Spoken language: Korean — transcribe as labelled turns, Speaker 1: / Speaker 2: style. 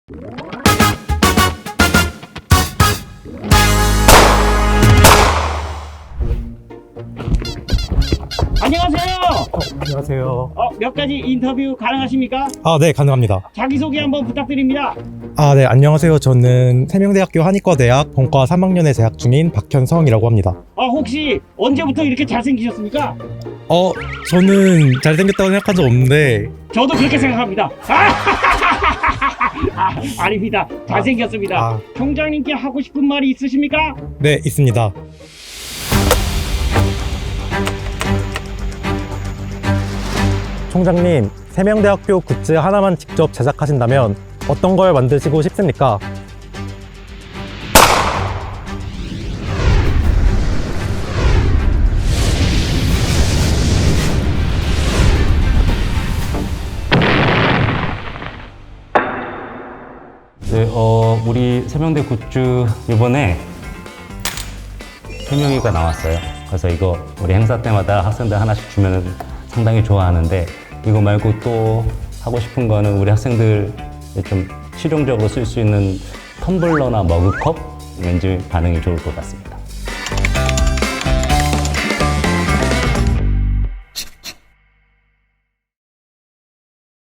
Speaker 1: 안녕하세요.
Speaker 2: 안녕하세요.
Speaker 1: 몇 가지 인터뷰 가능하십니까?
Speaker 2: 네, 가능합니다.
Speaker 1: 자기소개 한번 부탁드립니다.
Speaker 2: 네, 안녕하세요. 저는 세명대학교 한의과대학 본과 3학년에 재학 중인 박현성이라고 합니다.
Speaker 1: 혹시 언제부터 이렇게 잘생기셨습니까?
Speaker 2: 저는 잘생겼다고 생각한 적 없는데,
Speaker 1: 저도 그렇게 생각합니다. 아닙니다. 잘생겼습니다. 총장님께 하고 싶은 말이 있으십니까?
Speaker 2: 네, 있습니다. 총장님, 세명대학교 굿즈 하나만 직접 제작하신다면 어떤 걸 만드시고 싶습니까?
Speaker 3: 네, 우리 세명대 굿즈 이번에 세명이가 나왔어요. 그래서 이거 우리 행사 때마다 학생들 하나씩 주면 상당히 좋아하는데, 이거 말고 또 하고 싶은 거는 우리 학생들 좀 실용적으로 쓸 수 있는 텀블러나 머그컵, 왠지 반응이 좋을 것 같습니다.